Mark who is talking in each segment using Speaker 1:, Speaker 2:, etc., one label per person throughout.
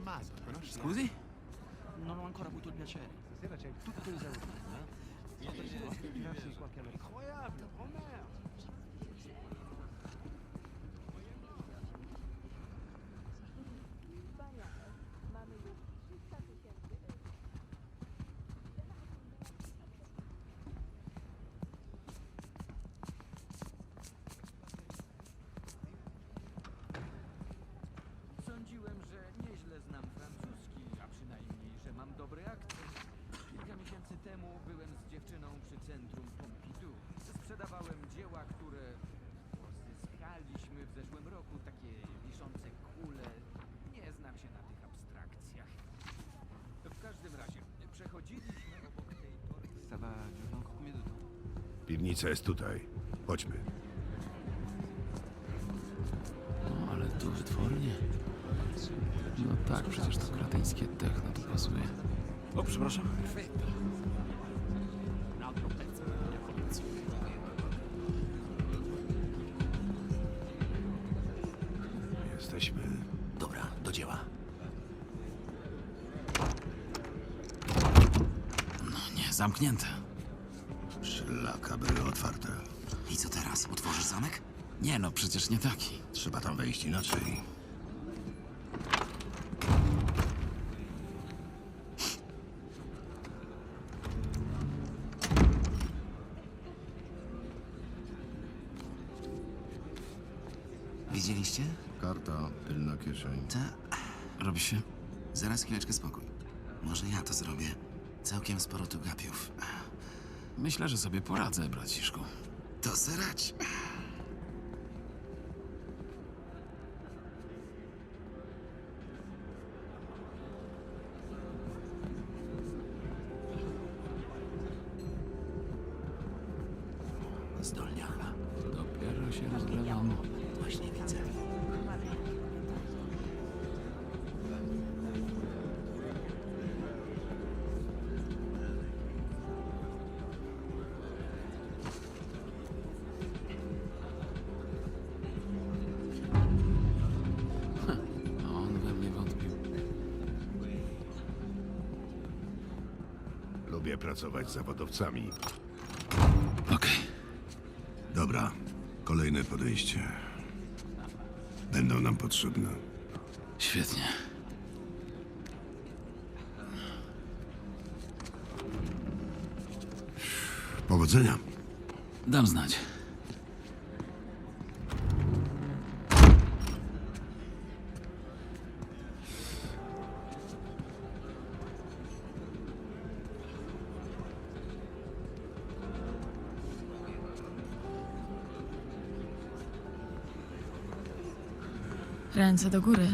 Speaker 1: Tommaso, conosci?
Speaker 2: Scusi?
Speaker 3: Non ho ancora avuto il piacere.
Speaker 1: Stasera c'è tutto esaurito, eh? Tirarsi qualche incroyable, Romer!
Speaker 2: Sądziłem, że nieźle znam francuski, a przynajmniej, że mam dobry akcent. Kilka miesięcy temu byłem z dziewczyną przy centrum Pompidou. Sprzedawałem dzieła, które pozyskaliśmy w zeszłym roku, takie wiszące kule. Nie znam się na tych abstrakcjach. W każdym razie, przechodziliśmy obok tej tory.
Speaker 3: Ça va durer encore combien de temps?
Speaker 4: Piwnica jest tutaj. Chodźmy.
Speaker 5: No, ale tu wytwornie. No tak, przecież to kretyńskie techno tu pasuje.
Speaker 2: O, przepraszam.
Speaker 4: Jesteśmy.
Speaker 5: Dobra, do dzieła. No nie, zamknięte.
Speaker 4: Szlaka były otwarte.
Speaker 5: I co teraz? Otworzysz zamek? Nie no, przecież nie taki.
Speaker 4: Trzeba tam wejść inaczej.
Speaker 5: Widzieliście?
Speaker 4: Karta, tylna kieszeń.
Speaker 5: Ta... Robi się? Zaraz chwileczkę spokój. Może ja to zrobię. Całkiem sporo tu gapiów. Myślę, że sobie poradzę, braciszku. To serać. Zdolniała.
Speaker 2: Dopiero się rozgrzewam.
Speaker 5: Właśnie widzę.
Speaker 2: On we mnie wątpił.
Speaker 4: Lubię pracować z zawodowcami.
Speaker 5: Okej.
Speaker 4: Dobra, kolejne podejście. Będą nam potrzebne.
Speaker 5: Świetnie.
Speaker 4: Powodzenia.
Speaker 5: Dam znać.
Speaker 6: Ręce do góry.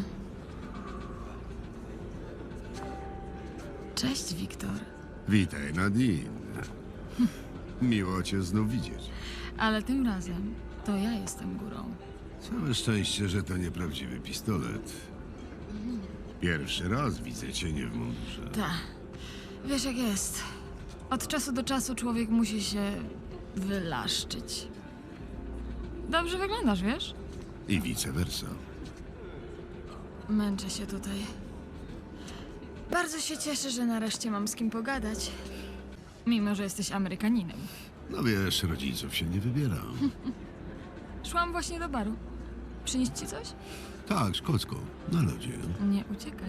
Speaker 6: Cześć, Wiktor.
Speaker 4: Witaj, Nadine. Miło cię znów widzieć.
Speaker 6: Ale tym razem to ja jestem górą.
Speaker 4: Całe szczęście, że to nieprawdziwy pistolet. Pierwszy raz widzę cię nie w mundurze.
Speaker 6: Ta. Wiesz jak jest. Od czasu do czasu człowiek musi się wylaszczyć. Dobrze wyglądasz, wiesz?
Speaker 4: I vice versa.
Speaker 6: Męczę się tutaj. Bardzo się cieszę, że nareszcie mam z kim pogadać. Mimo, że jesteś Amerykaninem.
Speaker 4: No wiesz, rodziców się nie wybiera.
Speaker 6: Szłam właśnie do baru. Przynieść ci coś?
Speaker 4: Tak, szkocką, na lodzie.
Speaker 6: Nie uciekaj.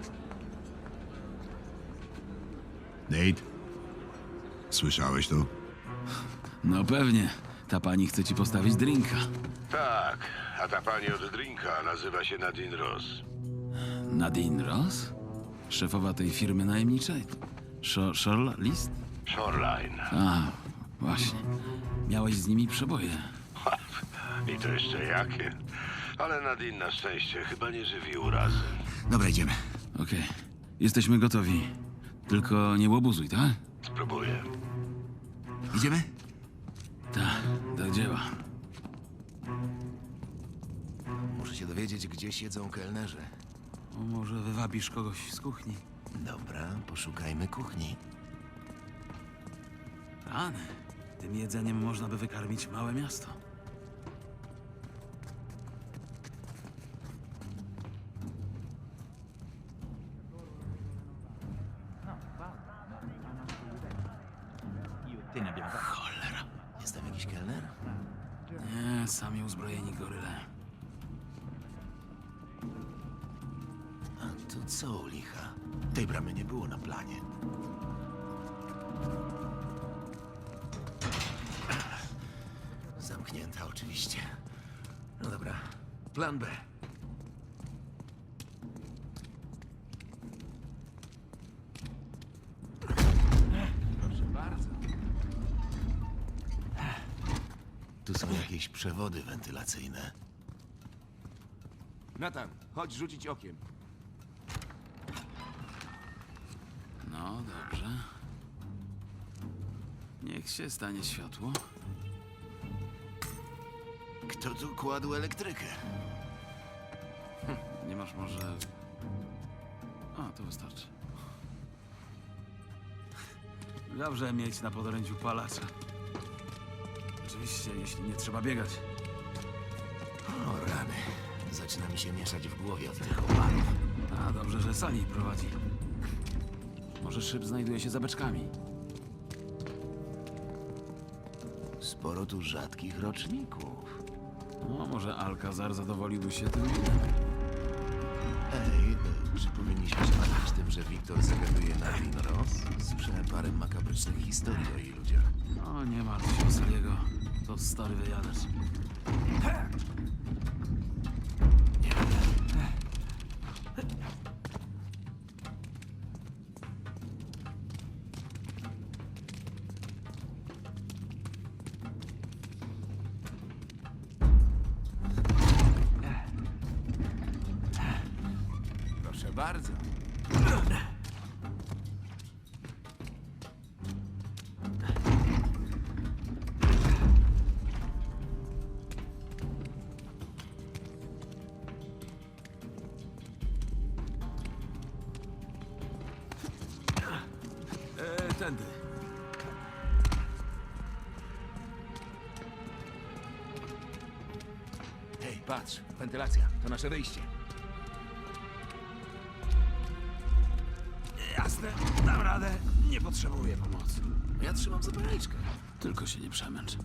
Speaker 4: Nate? Słyszałeś to?
Speaker 5: No pewnie. Ta pani chce ci postawić drinka.
Speaker 4: Tak, a ta pani od drinka nazywa się Nadine Ross.
Speaker 5: Nadine Ross? Szefowa tej firmy najemniczej? List?
Speaker 4: Shoreline.
Speaker 5: A, właśnie. Miałeś z nimi przeboje.
Speaker 4: I to jeszcze jakie? Ale Nadine na szczęście chyba nie żywi urazy.
Speaker 5: Dobra, idziemy. Okej. Jesteśmy gotowi. Tylko nie łobuzuj, tak?
Speaker 4: Spróbuję.
Speaker 5: Idziemy? Tak, do dzieła.
Speaker 7: Muszę się dowiedzieć, gdzie siedzą kelnerzy.
Speaker 5: O, może wywabisz kogoś z kuchni?
Speaker 7: Dobra, poszukajmy kuchni.
Speaker 5: Rany. Tym jedzeniem można by wykarmić małe miasto.
Speaker 1: te ne abbiamo fatto.
Speaker 5: Cholera.
Speaker 7: Jest tam jakiś kelner?
Speaker 3: Nie, sami uzbrojeni goryle.
Speaker 7: A to co u licha? Tej bramy nie było na planie. Zamknięta oczywiście. No dobra, plan B. Proszę bardzo. Tu są jakieś przewody wentylacyjne.
Speaker 8: Nathan, chodź rzucić okiem.
Speaker 3: No, dobrze. Niech się stanie światło.
Speaker 7: Kto tu kładł elektrykę?
Speaker 3: Nie masz może... A, to wystarczy. Dobrze mieć na podorędziu palacza. Oczywiście, jeśli nie trzeba biegać.
Speaker 7: O rany. Zaczyna mi się mieszać w głowie od tych oparów.
Speaker 3: A, dobrze, że Sali prowadzi. Może szyb znajduje się za beczkami.
Speaker 7: Sporo tu rzadkich roczników.
Speaker 3: No, może Alcazar zadowoliłby się tym.
Speaker 7: Ej, czy powinniśmy się martwić tym, że Wiktor zagaduje na Rinros? Słyszałem parę makabrycznych historii o jej ludziach.
Speaker 3: No, nie martw się o Saliego. To stary wyjadacz.
Speaker 7: Proszę bardzo.
Speaker 3: Tędy.
Speaker 7: Hej, patrz, wentylacja. To nasze wyjście.
Speaker 3: Jasne, dam radę. Nie potrzebuję pomocy.
Speaker 7: Ja trzymam zapalniczkę.
Speaker 3: Tylko się nie przemęcz.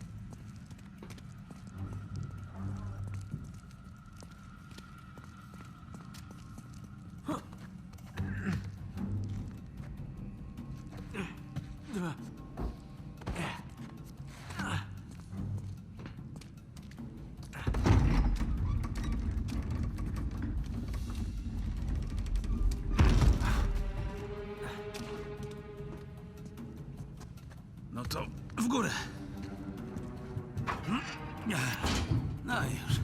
Speaker 3: No to w górę. No i już.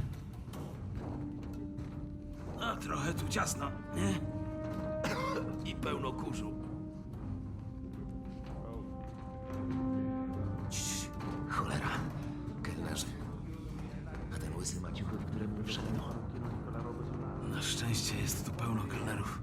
Speaker 3: No trochę tu ciasno, nie? I pełno kurzu.
Speaker 7: Cii, cholera. Kelnerzy. A ten łysy maciuchy, w którym wszedł.
Speaker 3: Na szczęście jest tu pełno kelnerów.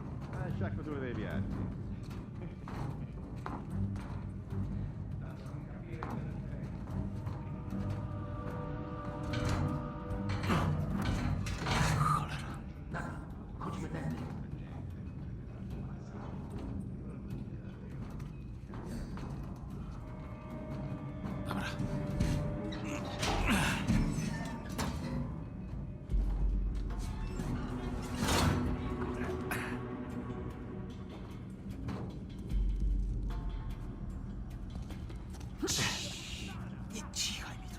Speaker 3: Dobra.
Speaker 7: Nie cichaj mi tu.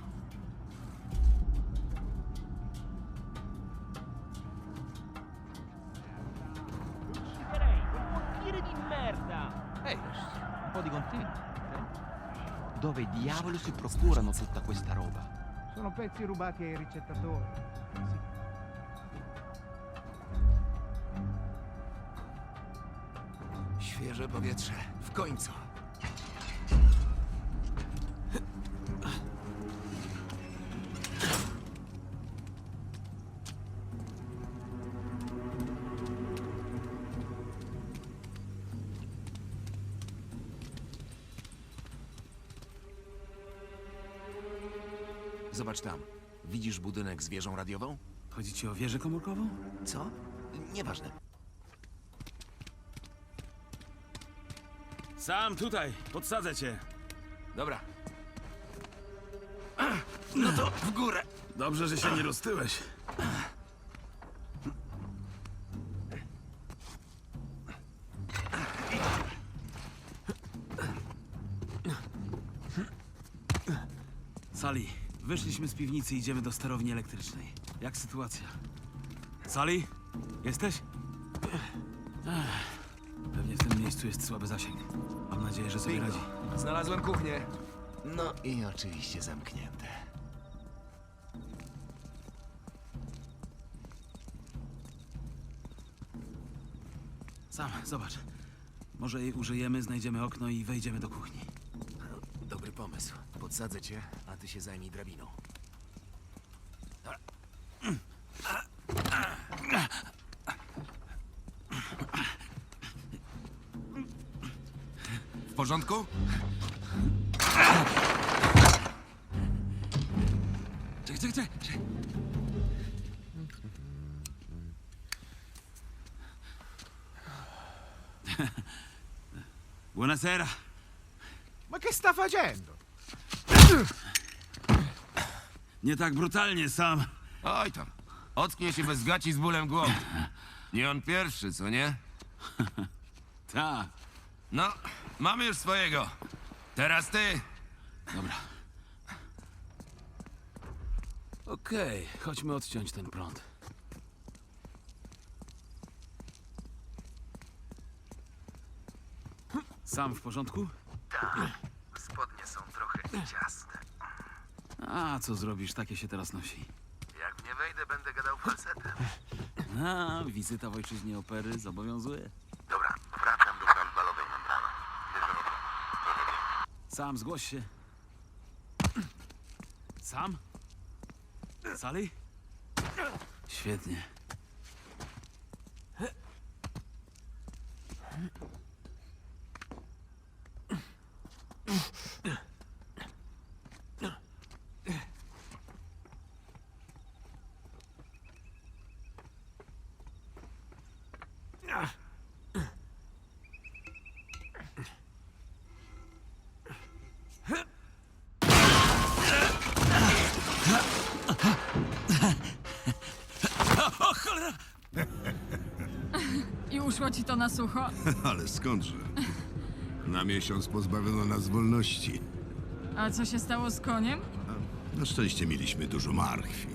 Speaker 1: Ehi, un po' di contenuti. Dove diavolo si procurano tutta questa roba?
Speaker 9: Sono pezzi rubati ai ricettatori.
Speaker 7: Świeże powietrze. W końcu. Zobacz tam. Widzisz budynek z wieżą radiową?
Speaker 3: Chodzi ci o wieżę komórkową?
Speaker 7: Co? Nieważne.
Speaker 3: Sam tutaj, podsadzę cię.
Speaker 7: Dobra. No to w górę.
Speaker 3: Dobrze, że się nie roztyłeś. Sally, wyszliśmy z piwnicy i idziemy do sterowni elektrycznej. Jak sytuacja? Sally? Jesteś? Pewnie w tym miejscu jest słaby zasięg. Mam nadzieję, że sobie radzi.
Speaker 7: Znalazłem kuchnię. No i oczywiście zamknięte.
Speaker 3: Sam, zobacz. Może jej użyjemy, znajdziemy okno i wejdziemy do kuchni.
Speaker 7: Dobry pomysł. Podsadzę cię, a ty się zajmij drabiną. W porządku?
Speaker 3: Czekaj. Buonasera.
Speaker 9: Ma che sta facendo?
Speaker 3: Nie tak brutalnie, Sam.
Speaker 8: Oj tam. Ocknie się bez gaci z bólem głowy. Nie on pierwszy, co nie?
Speaker 3: Tak.
Speaker 8: No, mamy już swojego. Teraz ty.
Speaker 3: Dobra. Okej, chodźmy odciąć ten prąd. Sam w porządku?
Speaker 5: Tak. Spodnie są trochę ciasne.
Speaker 3: A, co zrobisz? Takie się teraz nosi.
Speaker 5: Jak w nie wejdę, będę gadał falsetem.
Speaker 3: A, wizyta w ojczyźnie opery zobowiązuje.
Speaker 5: Dobra, wracam do balowej membrany.
Speaker 3: Sam, zgłoś się. Sam? Sally? Świetnie.
Speaker 6: I uszło ci to na sucho?
Speaker 4: Ale skądże? Na miesiąc pozbawiono nas wolności.
Speaker 6: A co się stało z koniem?
Speaker 4: Na szczęście mieliśmy dużo marchwi.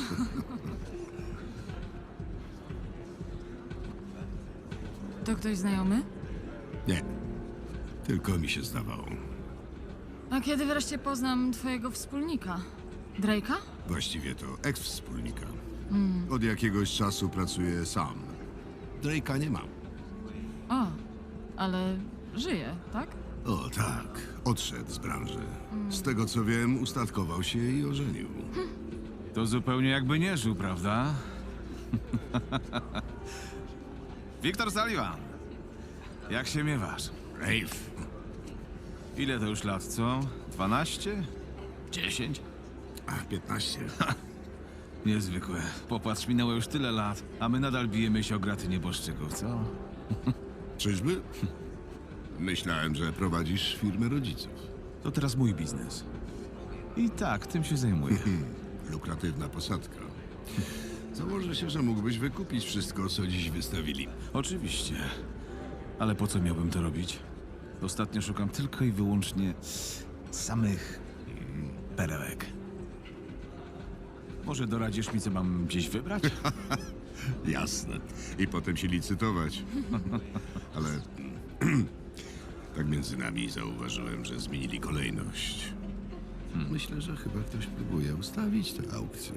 Speaker 6: To ktoś znajomy?
Speaker 4: Nie, tylko mi się zdawało.
Speaker 6: A kiedy wreszcie poznam twojego wspólnika? Drake'a?
Speaker 4: Właściwie to eks-wspólnika. Od jakiegoś czasu pracuję sam. Drake'a nie mam.
Speaker 6: O, ale żyje, tak?
Speaker 4: O tak, odszedł z branży. Z tego co wiem, ustatkował się i ożenił.
Speaker 10: To zupełnie jakby nie żył, prawda? Wiktor Sullivan. Jak się miewasz?
Speaker 4: Rafe,
Speaker 10: Ile to już lat, co? 12? 10?
Speaker 4: ach, 15.
Speaker 10: Niezwykłe. Popatrz, minęło już tyle lat, a my nadal bijemy się o graty nieboszczyków, co?
Speaker 4: Czyżby? Myślałem, że prowadzisz firmę rodziców.
Speaker 10: To teraz mój biznes. I tak, tym się zajmuję.
Speaker 4: Lukratywna posadka. Założę się, że mógłbyś wykupić wszystko, co dziś wystawili.
Speaker 10: Oczywiście. Ale po co miałbym to robić? Ostatnio szukam tylko i wyłącznie samych perełek. Może doradzisz mi, co mam gdzieś wybrać?
Speaker 4: Jasne. I potem się licytować. Ale tak między nami zauważyłem, że zmienili kolejność. Myślę, że chyba ktoś próbuje ustawić tę aukcję.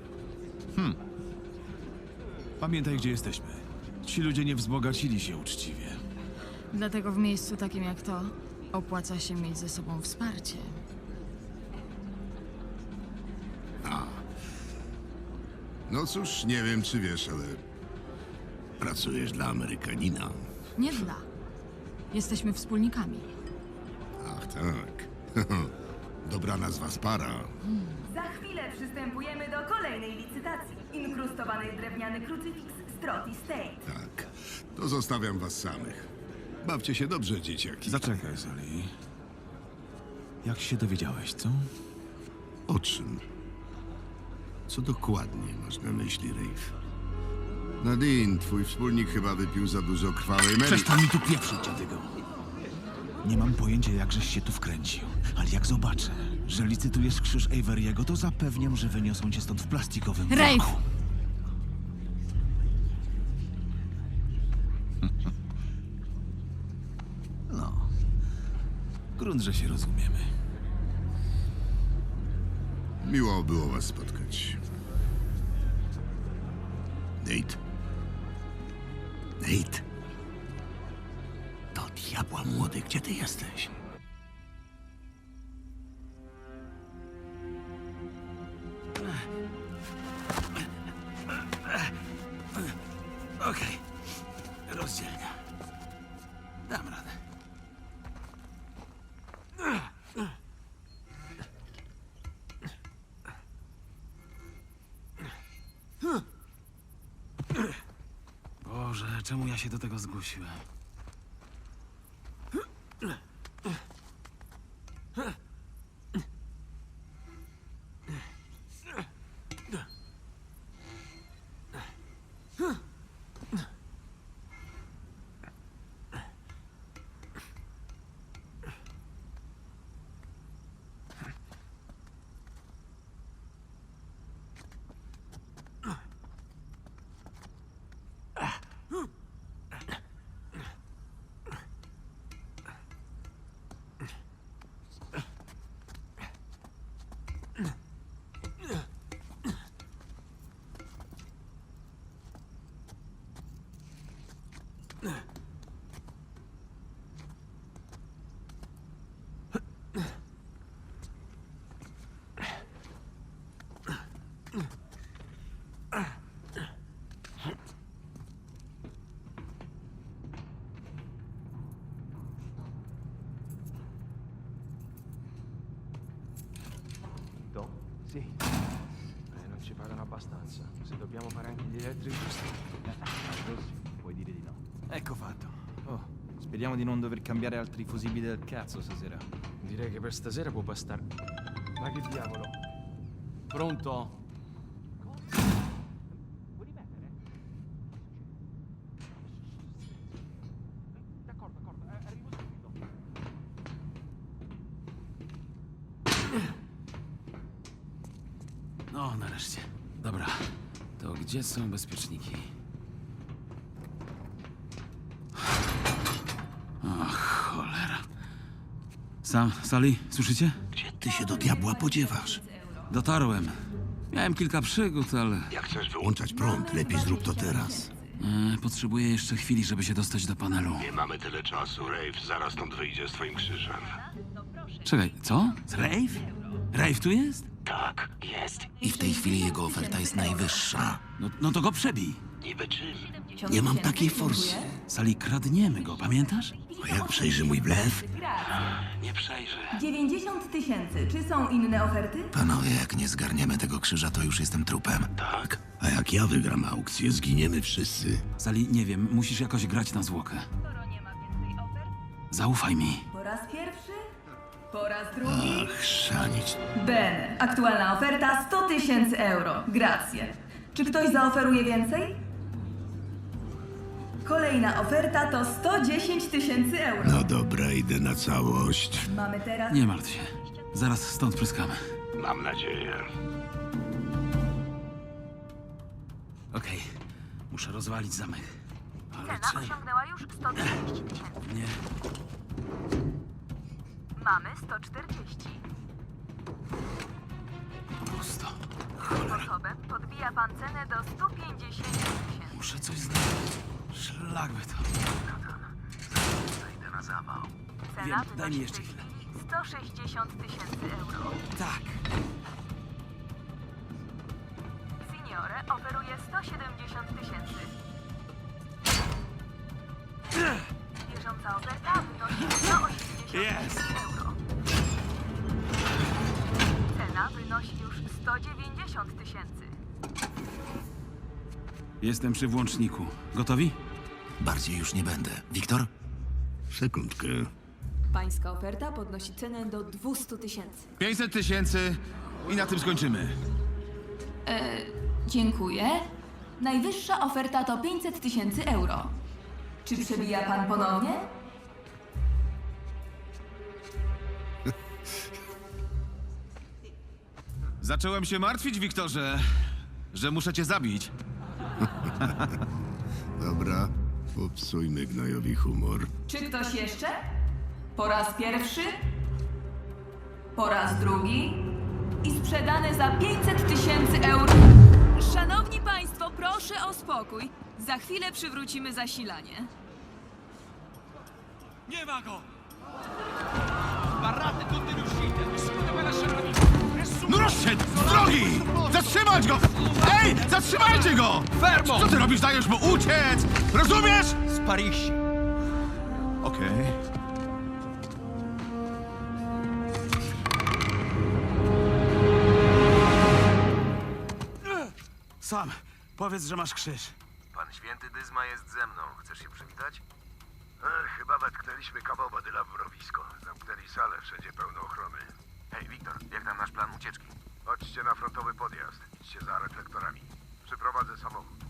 Speaker 10: Pamiętaj, gdzie jesteśmy. Ci ludzie nie wzbogacili się uczciwie.
Speaker 6: Dlatego w miejscu takim jak to opłaca się mieć ze sobą wsparcie.
Speaker 4: No cóż, nie wiem, czy wiesz, ale pracujesz dla Amerykanina.
Speaker 6: Nie dla. Jesteśmy wspólnikami.
Speaker 4: Ach, tak. Dobra nazwa z para.
Speaker 11: Za chwilę przystępujemy do kolejnej licytacji. Inkrustowany drewniany krucyfiks Stroti State.
Speaker 4: Tak. To zostawiam was samych. Bawcie się dobrze, dzieciaki.
Speaker 10: Zaczekaj, Sally. Jak się dowiedziałeś, co?
Speaker 4: O czym? Co dokładnie masz na myśli, Rafe? Nadine, twój wspólnik chyba wypił za dużo krwawej Mary.
Speaker 10: Przestań mi tu pieprzyć, dziadygo. Nie mam pojęcia, jak żeś się tu wkręcił, ale jak zobaczę, że licytujesz krzyż Averiego, to zapewniam, że wyniosą cię stąd w plastikowym
Speaker 6: Rafe!
Speaker 10: worku. No. Grunt, że się rozumiemy.
Speaker 4: Miło było was spotkać. Nate. Nate. Do diabła młody, gdzie ty jesteś?
Speaker 3: Okej. Rozdzielnia. Dam radę. Boże, czemu ja się do tego zgłosiłem?
Speaker 1: Sì. Non ci pagano abbastanza. Se dobbiamo fare anche gli elettrici... Così, puoi dire di no.
Speaker 10: Ecco fatto. Oh, speriamo di non dover cambiare altri fusibili del cazzo stasera.
Speaker 1: Direi che per stasera può bastare. Ma che diavolo? Pronto? Vuoi rimettere? D'accordo, arrivo subito.
Speaker 3: No, nareszcie. Dobra. To gdzie są bezpieczniki? Ach, cholera. Sally, słyszycie?
Speaker 4: Gdzie ty się do diabła podziewasz?
Speaker 3: Dotarłem. Miałem kilka przygód, ale...
Speaker 4: Jak chcesz wyłączać prąd, lepiej zrób to teraz.
Speaker 3: Potrzebuję jeszcze chwili, żeby się dostać do panelu.
Speaker 4: Nie mamy tyle czasu, Rafe. Zaraz stąd wyjdzie z twoim krzyżem.
Speaker 3: Czekaj, co? Rafe? Rafe tu jest?
Speaker 5: Tak, jest. I w tej chwili jego oferta jest najwyższa.
Speaker 3: No to go przebij.
Speaker 4: Niby czym? Nie mam takiej forsy.
Speaker 3: Sally, kradniemy go, pamiętasz?
Speaker 4: A jak przejrzy mój blef?
Speaker 3: Nie przejrzy.
Speaker 11: 90 000. Czy są inne oferty?
Speaker 5: Panowie, jak nie zgarniemy tego krzyża, to już jestem trupem.
Speaker 4: Tak. A jak ja wygram aukcję, zginiemy wszyscy.
Speaker 3: Sally, nie wiem, musisz jakoś grać na zwłokę.
Speaker 11: Skoro nie ma więcej ofert,
Speaker 3: Zaufaj mi.
Speaker 11: po raz pierwszy? Po raz drugi?
Speaker 4: Ach, szanić.
Speaker 11: Ben, aktualna oferta 100 000 euro. Grazie. Czy ktoś zaoferuje więcej? Kolejna oferta to 110 000 euro.
Speaker 4: No dobra, idę na całość.
Speaker 11: Mamy teraz...
Speaker 3: Nie martw się. Zaraz stąd pryskamy.
Speaker 4: Mam nadzieję.
Speaker 3: Okej. Muszę rozwalić zamek. Ale
Speaker 11: Cena osiągnęła już 130 000.
Speaker 3: Nie.
Speaker 11: Mamy 140.
Speaker 3: Pusto.
Speaker 11: Tym sposobem podbija pan cenę do 150 000.
Speaker 3: Muszę coś znaleźć. Szlak by to.
Speaker 5: Zajdę na zawał.
Speaker 11: Cena
Speaker 3: Wiem, daj mi
Speaker 11: wynosi
Speaker 3: jeszcze
Speaker 11: w tej
Speaker 3: chwilę.
Speaker 11: chwili 160 000 euro.
Speaker 3: Tak.
Speaker 11: Signore oferuje 170 000. Bieżąca oferta wynosi 180 000 euro. Cena wynosi już 190 000.
Speaker 3: Jestem przy włączniku. Gotowi?
Speaker 5: Bardziej już nie będę. Wiktor?
Speaker 4: Sekundkę.
Speaker 11: Pańska oferta podnosi cenę do 200 000.
Speaker 3: 500 tysięcy i na tym skończymy.
Speaker 11: Dziękuję. Najwyższa oferta to 500 000 euro. Czy przebija pan ponownie?
Speaker 3: Zacząłem się martwić, Wiktorze, że muszę cię zabić.
Speaker 4: Dobra, popsujmy gnojowi humor.
Speaker 11: Czy ktoś jeszcze? Po raz pierwszy? Po raz drugi? I sprzedane za 500 000 euro. Szanowni Państwo, proszę o spokój. Za chwilę przywrócimy zasilanie.
Speaker 3: Nie ma go! No rozszedł! Z drogi! Zatrzymać go! Ej! Zatrzymajcie go! Fermo! Co ty robisz? Dajesz mu uciec! Rozumiesz?
Speaker 1: Sparisci.
Speaker 3: Okej. Sam, powiedz, że masz krzyż.
Speaker 8: Pan święty Dyzma jest ze mną. Chcesz się przywitać?
Speaker 4: Chyba wetknęliśmy kawał badyla w mrowisko. Zamknęli salę, wszędzie pełno ochrony.
Speaker 8: Hej, Wiktor, jak tam nasz plan ucieczki?
Speaker 4: Chodźcie na frontowy podjazd. Idźcie za reflektorami. Przyprowadzę samochód.